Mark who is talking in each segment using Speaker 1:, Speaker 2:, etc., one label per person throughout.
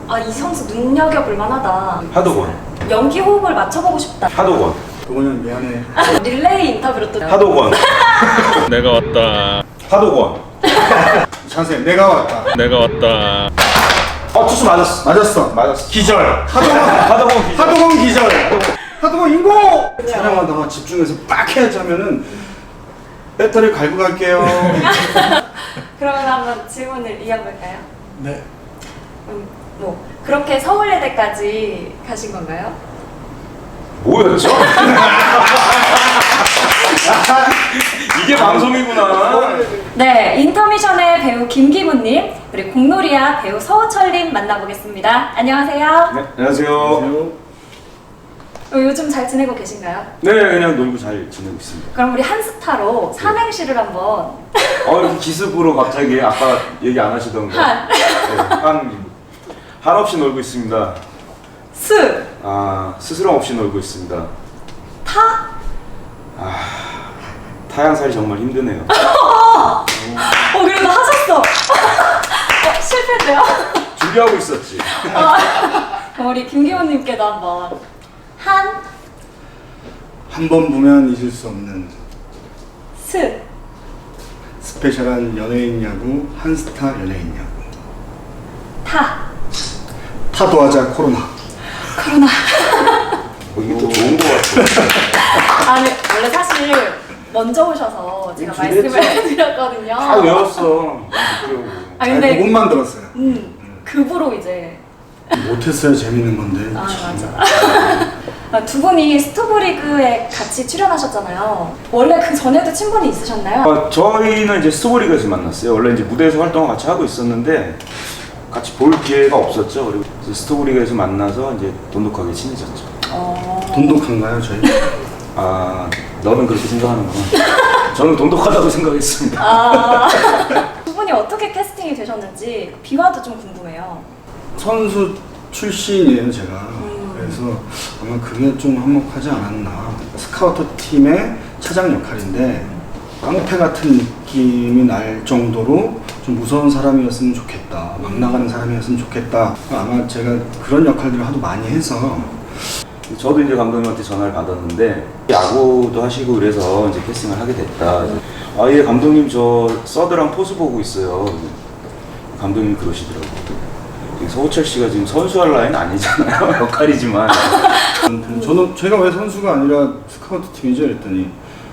Speaker 1: 아, 이 선수 눈여겨볼 만하다.
Speaker 2: 하도권.
Speaker 1: 연기 호흡을 맞춰보고 싶다.
Speaker 2: 하도권.
Speaker 3: 그거는 미안해.
Speaker 1: 릴레이 인터뷰로 또.
Speaker 2: 하도권.
Speaker 4: 내가 왔다.
Speaker 2: 하도권.
Speaker 3: 자세 내가 왔다.
Speaker 4: 내가 왔다.
Speaker 2: 투수 맞았어.
Speaker 3: 맞았어.
Speaker 2: 기절.
Speaker 3: 하도건
Speaker 2: 기절.
Speaker 3: 하도건 기절. 하도건 인고. 촬영하다가 집중해서 빡 해야지 하면은 배터리 갈고 갈게요.
Speaker 1: 그러면 한번 질문을 이어볼까요?
Speaker 3: 네.
Speaker 1: 뭐 그렇게 서울예대까지 가신 건가요?
Speaker 2: 뭐였죠? 이게 방송이구나.
Speaker 1: 네, 인터미션의 배우 김기문님 그리고 공놀이야 배우 서우철님 만나보겠습니다. 안녕하세요.
Speaker 2: 네, 안녕하세요.
Speaker 1: 요즘 잘 지내고 계신가요?
Speaker 2: 네, 그냥 놀고 잘 지내고 있습니다.
Speaker 1: 그럼 우리 한스타로 삼행시를 한번.
Speaker 2: 이렇게 기습으로 갑자기 아까 얘기 안 하시던 거.
Speaker 1: 한.
Speaker 2: 네, 한없이 놀고 있습니다.
Speaker 1: 스.
Speaker 2: 스스럼 없이 놀고 있습니다.
Speaker 1: 타.
Speaker 2: 타양살이 정말 힘드네요.
Speaker 1: 그래도 하셨어. 실패인데요?
Speaker 2: 준비하고 있었지.
Speaker 1: 그럼 우리 김기훈님께도 한번.
Speaker 3: 한 번 보면 잊을 수 없는
Speaker 1: 스.
Speaker 3: 스페셜한 연예인 야구 한스타 연예인 야구. 타도하자 코로나.
Speaker 2: 이게 또 좋은 거 같아.
Speaker 1: 아니 원래 사실 먼저 오셔서 제가
Speaker 2: 준비했죠.
Speaker 1: 말씀을 해드렸거든요.
Speaker 2: 다 외웠어.
Speaker 1: 근데
Speaker 3: 그것만 들었어요.
Speaker 1: 급으로 이제.
Speaker 3: 못했어요. 재밌는 건데.
Speaker 1: 맞아. 두 분이 스토브리그에 같이 출연하셨잖아요. 원래 그 전에도 친분이 있으셨나요?
Speaker 2: 저희는 이제 스토브리그에서 만났어요. 원래 이제 무대에서 활동을 같이 하고 있었는데 같이 볼 기회가 없었죠. 그리고 스토브리그에서 만나서 이제 돈독하게 친해졌죠.
Speaker 3: 돈독한가요, 저희?
Speaker 2: 너는 그렇게 생각하는구나. 저는 돈독하다고 생각했습니다.
Speaker 1: 두 분이 어떻게 캐스팅이 되셨는지 비화도 좀 궁금해요.
Speaker 3: 선수 출신이에요, 제가. 그래서 아마 그게 좀 한몫하지 않았나. 스카우터 팀의 차장 역할인데 깡패 같은 느낌이 날 정도로 좀 무서운 사람이었으면 좋겠다. 막 나가는 사람이었으면 좋겠다. 아마 제가 그런 역할들을 하도 많이 해서.
Speaker 2: 저도 이제 감독님한테 전화를 받았는데 야구도 하시고 그래서 이제 캐스팅을 하게 됐다. 예, 감독님 저 서드랑 포수 보고 있어요. 감독님이 그러시더라고요. 서우철 씨가 지금 선수할 라인 아니잖아요. 역할이지만.
Speaker 3: 저는 제가 왜 선수가 아니라 스카우트 팀이죠? 그랬더니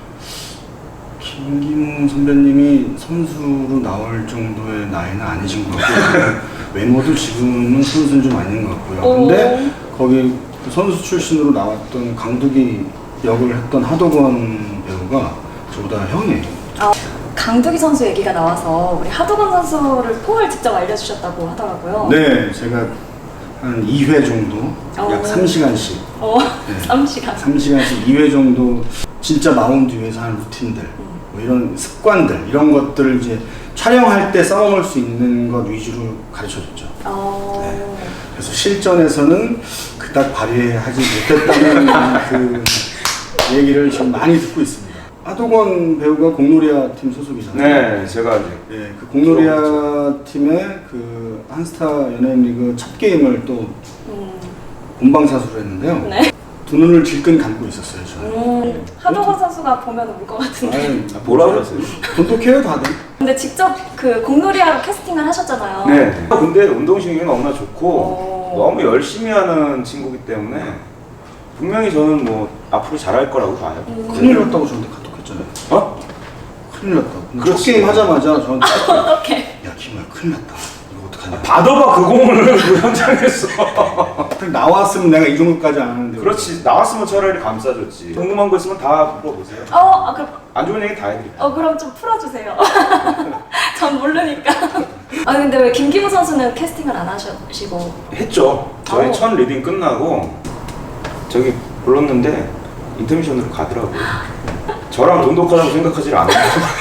Speaker 3: 김기문 선배님이 선수로 나올 정도의 나이는 아니신 것 같고요. 외모도 지금은 선수는 좀 아닌 것 같고요. 근데 거기 선수 출신으로 나왔던 강두기 역을 했던 하도건 배우가 저보다 형이에요.
Speaker 1: 강두기 선수 얘기가 나와서 우리 하도건 선수를 포를 직접 알려주셨다고 하더라고요.
Speaker 3: 네, 제가 한 2회 정도, 약 3시간씩.
Speaker 1: 3시간.
Speaker 3: 3시간씩 2회 정도 진짜 마운드 위에서 하는 루틴들, 뭐 이런 습관들, 이런 것들을 이제 촬영할 때 써먹을 수 있는 것 위주로 가르쳐줬죠. 네. 그래서 실전에서는 그닥 발휘하지 못했다는 그 얘기를 지금 많이 듣고 있습니다. 하도건 배우가 공놀이야 팀 소속이잖아요.
Speaker 2: 네, 제가 이제
Speaker 3: 그 공놀이야 팀의 그 한스타 연예인 리그 첫 게임을 또 본방사수로 했는데요.
Speaker 1: 네.
Speaker 3: 두 눈을 질끈 감고 있었어요, 저는.
Speaker 1: 하도건 선수가 보면 울 것 같은데.
Speaker 2: 뭐라 그랬어요?
Speaker 3: 돈독해요, 다들.
Speaker 1: 근데 직접 그 공놀이야로 캐스팅을 하셨잖아요.
Speaker 2: 네. 근데 운동신경이 너무나 좋고 너무 열심히 하는 친구기 때문에 분명히 저는 뭐 앞으로 잘할 거라고 봐요.
Speaker 3: 큰일 났다고 저한테 카톡했잖아요. 큰일 났다고. 첫
Speaker 2: 그렇지.
Speaker 3: 게임 하자마자 저한테
Speaker 1: 어떡해.
Speaker 3: 야, 김우야, 큰일 났다. 이거 어떡하냐.
Speaker 2: 받아봐 그 공을 그 현장에서.
Speaker 3: 나왔으면 내가 이 정도까지 안 하는데.
Speaker 2: 그렇지. 나왔으면 차라리 감싸줬지. 궁금한 거 있으면 다 물어보세요.
Speaker 1: 그럼,
Speaker 2: 안 좋은 얘기 다 해드릴게요.
Speaker 1: 그럼 좀 풀어주세요. 전 모르니까. 근데 왜 김기무 선수는 캐스팅을 안 하시고?
Speaker 2: 했죠. 저희 첫 리딩 끝나고 저기 불렀는데 인터미션으로 가더라고요. 저랑 돈독하다고 생각하지 않아요.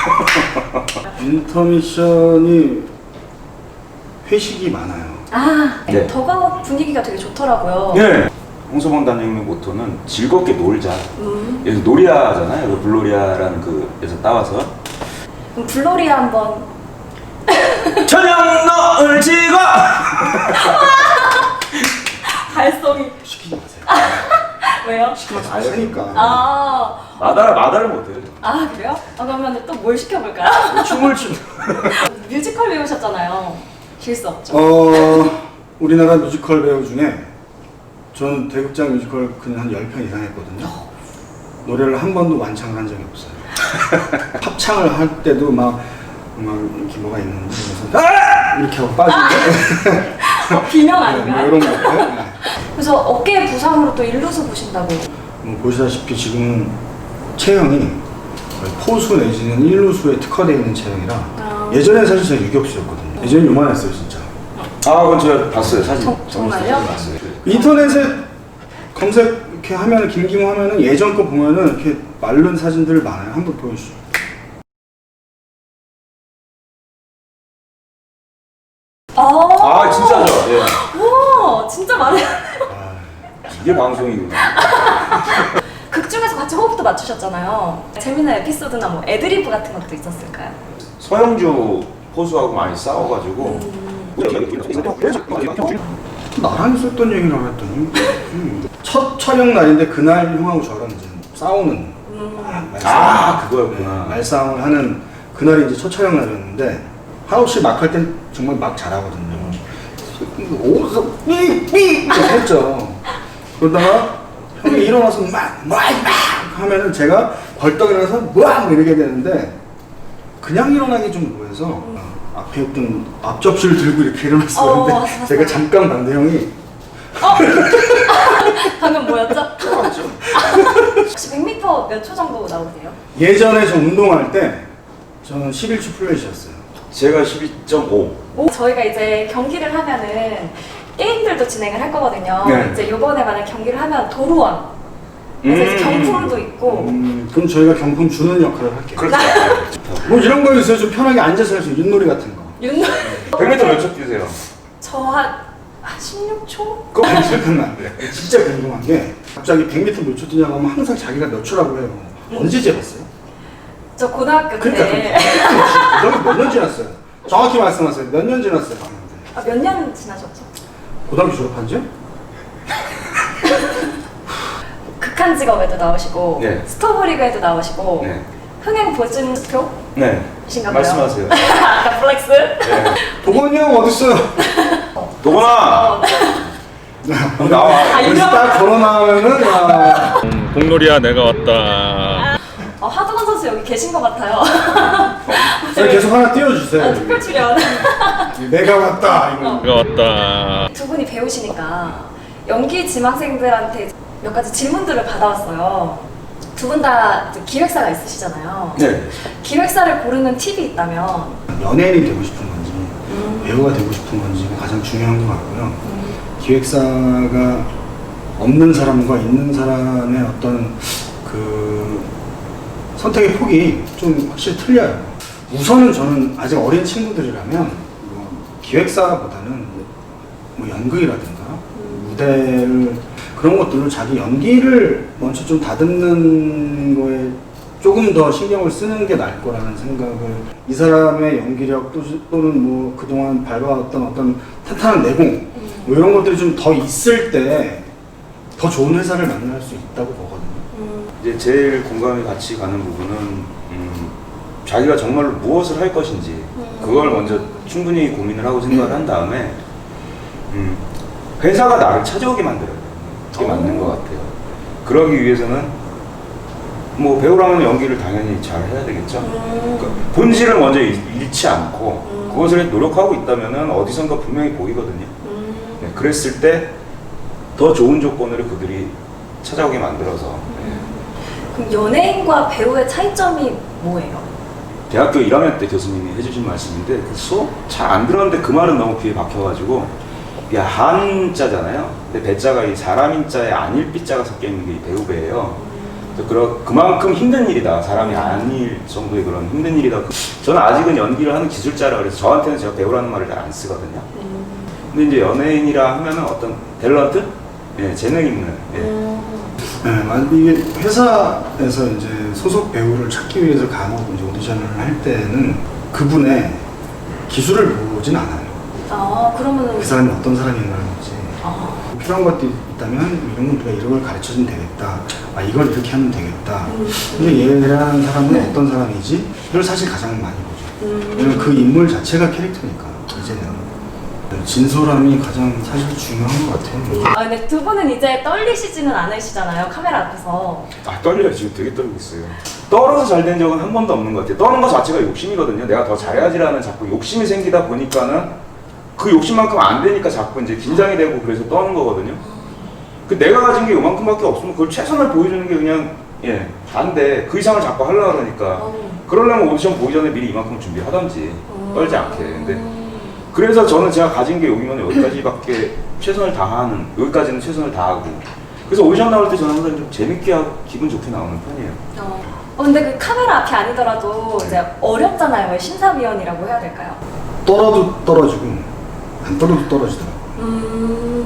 Speaker 3: 인터미션이 회식이 많아요.
Speaker 2: 네.
Speaker 1: 더가웃 분위기가 되게 좋더라고요.
Speaker 2: 네. 홍서방 단장님의 모토는 즐겁게 놀자. 여기서 놀이야잖아요. 그 블로리아라는 그에서 따와서.
Speaker 1: 그럼 블로리아 한번.
Speaker 2: 저녁 널 지고
Speaker 1: 왜요?
Speaker 3: 시키면 다 하니까.
Speaker 2: 마다를 못해요.
Speaker 1: 아 그래요? 그러면 또 뭘 시켜볼까요?
Speaker 3: 춤을 추.
Speaker 1: 뮤지컬 배우셨잖아요. 질 수 없죠.
Speaker 3: 우리나라 뮤지컬 배우 중에 저는 대극장 뮤지컬 그냥 한 10편 이상 했거든요. 노래를 한 번도 완창을 한 적이 없어요. 합창을 할 때도 막 이렇게 뭐가 있는지 그래서 이렇게 하고 빠지는데
Speaker 1: 비명 아닌가요?
Speaker 3: 이런 거. 네.
Speaker 1: 그래서 어깨 부상으로 또 일루수 보신다고.
Speaker 3: 보시다시피 지금 체형이 거의 포수 내지는 일루수에 특화되어 있는 체형이라 예전에 사실 제가 유격수였거든요. 예전에 요만했어요 진짜.
Speaker 2: 그건 제가 봤어요 사진.
Speaker 1: 정말요?
Speaker 2: 봤어요.
Speaker 3: 인터넷에 검색 이렇게 하면 김기모 하면은 예전 거 보면은 이렇게 마른 사진들 많아요. 한번 보여주시죠.
Speaker 2: 진짜죠? 예.
Speaker 1: 와 진짜 많아요.
Speaker 2: 이게 방송이구나.
Speaker 1: 극 중에서 같이 호흡도 맞추셨잖아요. 재밌는 에피소드나 뭐 애드리브 같은 것도 있었을까요?
Speaker 2: 서영주 포수하고 많이 싸워가지고
Speaker 3: 나랑 있었던 얘기라고 했더니 첫 촬영 날인데 그날 형하고 저랑 이제 싸우는
Speaker 2: 그거였구나.
Speaker 3: 말싸움을 하는 그날이 이제 첫 촬영 날이었는데 하우 씨 막 할 땐 정말 막 잘하거든요. 오서 삐삐 했죠. 그러다가 형이 일어나서 막 하면은 제가 벌떡 일어나서 막 이러게 되는데 그냥 일어나기 좀 뭐해서 앞에 있던 앞접시를 들고 이렇게 일어났었는데
Speaker 1: 맞았어요.
Speaker 3: 제가 잠깐 봤는데 형이
Speaker 1: 방금 뭐였죠? 혹시 100m 몇 초 정도 나오세요?
Speaker 3: 예전에 저 운동할 때 저는 11초 플랫이었어요.
Speaker 2: 제가 12.5.
Speaker 1: 저희가 이제 경기를 하면은 게임들도 진행을 할 거거든요.
Speaker 3: 네.
Speaker 1: 이제 요번에 만약 경기를 하면 도루원 그래서 이제 경품도 있고
Speaker 3: 그럼 저희가 경품 주는 역할을 할게요.
Speaker 2: 그렇죠.
Speaker 3: 뭐 이런 거 있어요. 좀 편하게 앉아서 할 수 있는 윷놀이 같은 거.
Speaker 2: 100m 몇 초 뛰세요?
Speaker 1: 저한 16초?
Speaker 3: 그거 검색하면 안 돼. 진짜 궁금한 게 갑자기 100m 몇 초 뛰냐고 하면 항상 자기가 몇 초라고 해요. 언제 재봤어요?
Speaker 1: 저 고등학교
Speaker 3: 그러니까
Speaker 1: 때
Speaker 3: 고등학교 몇 년 지났어요? 정확히 말씀하세요. 몇 년 지났어요?
Speaker 1: 몇 년 지나셨죠?
Speaker 3: 고등학교 졸업한 지요?
Speaker 1: 극한 직업에도 나오시고
Speaker 2: 네.
Speaker 1: 스토브리그에도 나오시고
Speaker 2: 네.
Speaker 1: 흥행 보증표?
Speaker 2: 네.
Speaker 1: 이신가요?
Speaker 2: 말씀하세요.
Speaker 1: 아까 플렉스?
Speaker 2: 네.
Speaker 3: 도건이 형 어딨어요?
Speaker 2: 도건아! 나와.
Speaker 3: 여기서 딱 걸어 나오면은
Speaker 4: 공놀이야 내가 왔다.
Speaker 1: 하두건 선수 여기 계신 것 같아요.
Speaker 3: 계속 하나 띄워주세요.
Speaker 1: 특별 출연.
Speaker 3: 내가 왔다. 이거.
Speaker 4: 내가 왔다.
Speaker 1: 두 분이 배우시니까 연기 지망생들한테 몇 가지 질문들을 받아왔어요. 두 분 다 기획사가 있으시잖아요.
Speaker 2: 네.
Speaker 1: 기획사를 고르는 팁이 있다면
Speaker 3: 연예인이 되고 싶은 건지 배우가 되고 싶은 건지가 가장 중요한 것 같고요. 기획사가 없는 사람과 있는 사람의 어떤 그 선택의 폭이 좀 확실히 틀려요. 우선은 저는 아직 어린 친구들이라면 뭐 기획사보다는 뭐 연극이라든가 무대를 그런 것들로 자기 연기를 먼저 좀 다듬는 거에 조금 더 신경을 쓰는 게 나을 거라는 생각을, 이 사람의 연기력 또는 뭐 그동안 밟아왔던 어떤 탄탄한 내공 뭐 이런 것들이 좀 더 있을 때 더 좋은 회사를 만날 수 있다고 보거든요.
Speaker 2: 이제 제일 공감이 같이 가는 부분은 자기가 정말로 무엇을 할 것인지 그걸 먼저 충분히 고민을 하고 생각을 한 다음에 회사가 나를 찾아오게 만들어야 돼요. 그게 맞는 것 같아요. 그러기 위해서는 뭐 배우라면 연기를 당연히 잘 해야 되겠죠. 그러니까 본질을 먼저 잃지 않고 그것을 노력하고 있다면 어디선가 분명히 보이거든요. 네, 그랬을 때 더 좋은 조건으로 그들이 찾아오게 만들어서.
Speaker 1: 그럼 연예인과 배우의 차이점이 뭐예요?
Speaker 2: 대학교 1학년 때 교수님이 해주신 말씀인데 그 수업 잘 안 들었는데 그 말은 너무 귀에 박혀가지고, 야, 한자잖아요. 근데 배자가 이 사람인자에 안일비자가 섞여 있는 게 이 배우배예요. 그래서 그만큼 힘든 일이다. 사람이 아닐 정도의 그런 힘든 일이다. 저는 아직은 연기를 하는 기술자라 그래서 저한테는 제가 배우라는 말을 잘 안 쓰거든요. 근데 이제 연예인이라 하면은 어떤 탤런트? 예, 재능 있는. 예.
Speaker 3: 네, 이게 회사에서 이제 소속 배우를 찾기 위해서 간혹 이제 오디션을 할 때는 그분의 기술을 보진 않아요.
Speaker 1: 그러면은
Speaker 3: 그 사람이 어떤 사람인가를 보지. 필요한 것들이 있다면 이런 건 우리가 이런 걸 가르쳐주면 되겠다. 아 이걸 이렇게 하면 되겠다. 근데 얘라는 사람은 어떤 사람이지? 이걸 사실 가장 많이 보죠. 왜냐면 그 인물 자체가 캐릭터니까 이제는 진솔함이 가장 사실 중요한 것 같아요.
Speaker 1: 아 근데 두 분은 이제 떨리시지는 않으시잖아요, 카메라 앞에서.
Speaker 2: 아 떨려요. 지금 되게 떨리고 있어요. 떨어서 잘 된 적은 한 번도 없는 것 같아요. 떠는 것 자체가 욕심이거든요. 내가 더 잘해야지라는 자꾸 욕심이 생기다 보니까는 그 욕심만큼 안 되니까 자꾸 이제 긴장이 되고 그래서 떠는 거거든요. 그 내가 가진 게 요만큼밖에 없으면 그걸 최선을 보여주는 게 그냥 다인데 그 이상을 자꾸 하려고 그러니까 그러려면 오디션 보기 전에 미리 이만큼 준비하던지 떨지 않게. 근데 그래서 저는 제가 가진 게 여기면 여기까지밖에 최선을 다하는, 여기까지는 최선을 다하고 그래서 오디션 나올 때 저는 항상 좀 재밌게 하고 기분 좋게 나오는 편이에요.
Speaker 1: 근데 그 카메라 앞이 아니더라도 이제 어렵잖아요. 왜 심사위원이라고 해야 될까요?
Speaker 3: 떨어도 떨어지고 안 떨어도 떨어지더라고요.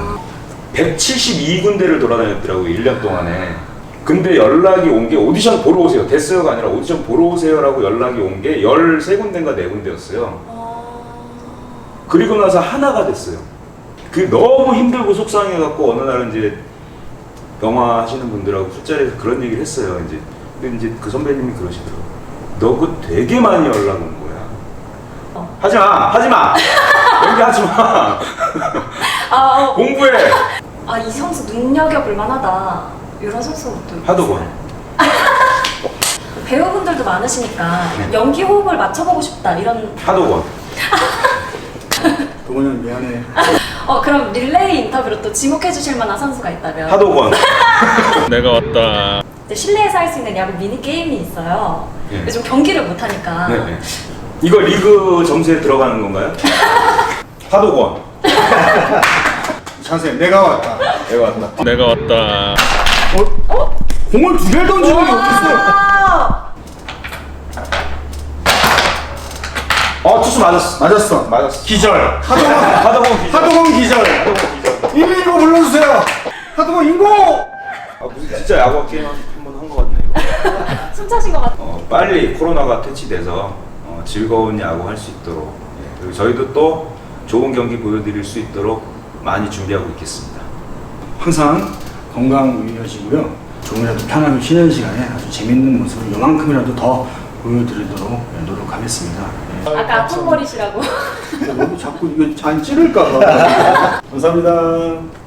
Speaker 2: 172군데를 돌아다녔더라고요. 1년 동안에. 근데 연락이 온 게 오디션 보러 오세요. 됐어요가 아니라 오디션 보러 오세요라고 연락이 온 게 13군데인가 4군데였어요. 그리고 나서 하나가 됐어요. 그 너무 힘들고 속상해갖고 어느 날은 이제 영화 하시는 분들하고 술자리에서 그런 얘기를 했어요. 이제 근데 이제 그 선배님이 그러시더라고요. 너 그거 되게 많이 연락 온 거야. 하지마! 연기하지마! 공부해!
Speaker 1: 이 선수 눈여겨볼 만하다. 이런 선수도
Speaker 2: 하도건.
Speaker 1: 배우분들도 많으시니까 연기 호흡을 맞춰보고 싶다. 이런.
Speaker 2: 하도건.
Speaker 3: 도건이 미안해.
Speaker 1: 그럼 릴레이 인터뷰로 또 지목해 주실 만한 선수가 있다면?
Speaker 2: 하도건.
Speaker 4: 내가 왔다.
Speaker 1: 이제 실내에서 할 수 있는 야구 미니 게임이 있어요.
Speaker 2: 예.
Speaker 1: 요즘 경기를 못 하니까.
Speaker 2: 네. 이거 리그 점수에 들어가는 건가요? 하도건.
Speaker 3: 찬스 내가 왔다.
Speaker 2: 내가 왔다.
Speaker 4: 내가 왔다.
Speaker 3: 공을 2개를 던지는 게 어딨어요?
Speaker 2: 투수 맞았어. 맞았어.
Speaker 3: 기절.
Speaker 2: 하도건 기절.
Speaker 3: 하도건 기절. 119 불러주세요. 하도건 인고.
Speaker 2: 무슨 진짜 야구 게임 한 번 한 것 같네. 이거.
Speaker 1: 숨차신 것 같아요.
Speaker 2: 빨리 코로나가 퇴치돼서 즐거운 야구 할 수 있도록 그리고 저희도 또 좋은 경기 보여드릴 수 있도록 많이 준비하고 있겠습니다.
Speaker 3: 항상 건강 유의하시고요. 조금이라도 편하게 쉬는 시간에 아주 재밌는 모습을 요만큼이라도 더 보여드리도록 노력하겠습니다.
Speaker 1: 아까 아픈 머리시라고.
Speaker 3: 너무 자꾸 이거 안 찌를까 봐. 감사합니다.